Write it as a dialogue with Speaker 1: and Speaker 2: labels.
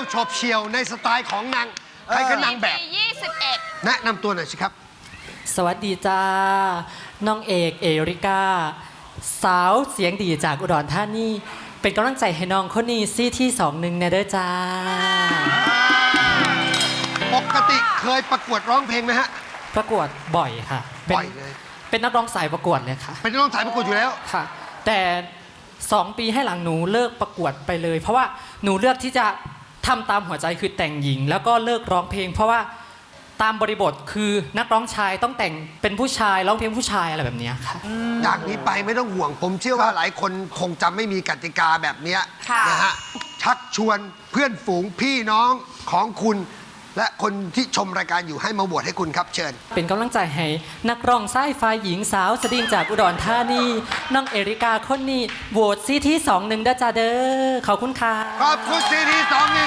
Speaker 1: โฉบเฉี่ยวในสไตล์ของนางใครก็นางแบบ
Speaker 2: 21
Speaker 1: แนะนำตัวหน่อยสิครับ
Speaker 3: สวัสดีจ้า น้องเอกเอริกา สาวเสียงดีจากอุดรธานีเป็นกำลังใจให้น้องคนนี้ซี่ที่21นะเด้อจ้า
Speaker 1: ปกติเคยประกวดร้องเพลงไหมฮะ
Speaker 3: ประกวดบ่อยค่ะ
Speaker 1: บ่อยเลย
Speaker 3: เป็นนักร้องสายประกวดเลยค่ะ
Speaker 1: เป็นน้องสายประกวดอยู่แล้ว
Speaker 3: ค่ะ แต่2 ปีให้หลังหนูเลิกประกวดไปเลย เพราะว่าหนูเลือกที่จะทำตามหัวใจคือแต่งหญิง แล้วก็เลิกร้องเพลง เพราะว่าตามบริบทคือนักร้องชายต้องแต่งเป็นผู้ชายร้องเพลงผู้ชายอะไรแบบเนี้ยค่ะ
Speaker 1: จากนี้ไปไม่ต้องห่วง ผมเชื่อว่าหลายคนคงจะไม่มีกติกาแบบเนี้ย
Speaker 2: ค่ะ
Speaker 1: นะฮะชักชวนเพื่อนฝูงพี่น้องของคุณ และคนที่ชมรายการอยู่ให้มาโหวตให้คุณครับเชิญ
Speaker 3: เป็นกำลังใจให้นักร้องสายฟ้าหญิงสาวสดิ่งจากอุดรธานีน้องเอริกาคนนี้โหวตซี่ที่21ด้าจ้าเด้อขอบคุณค่ะ
Speaker 1: ขอบคุณซีที21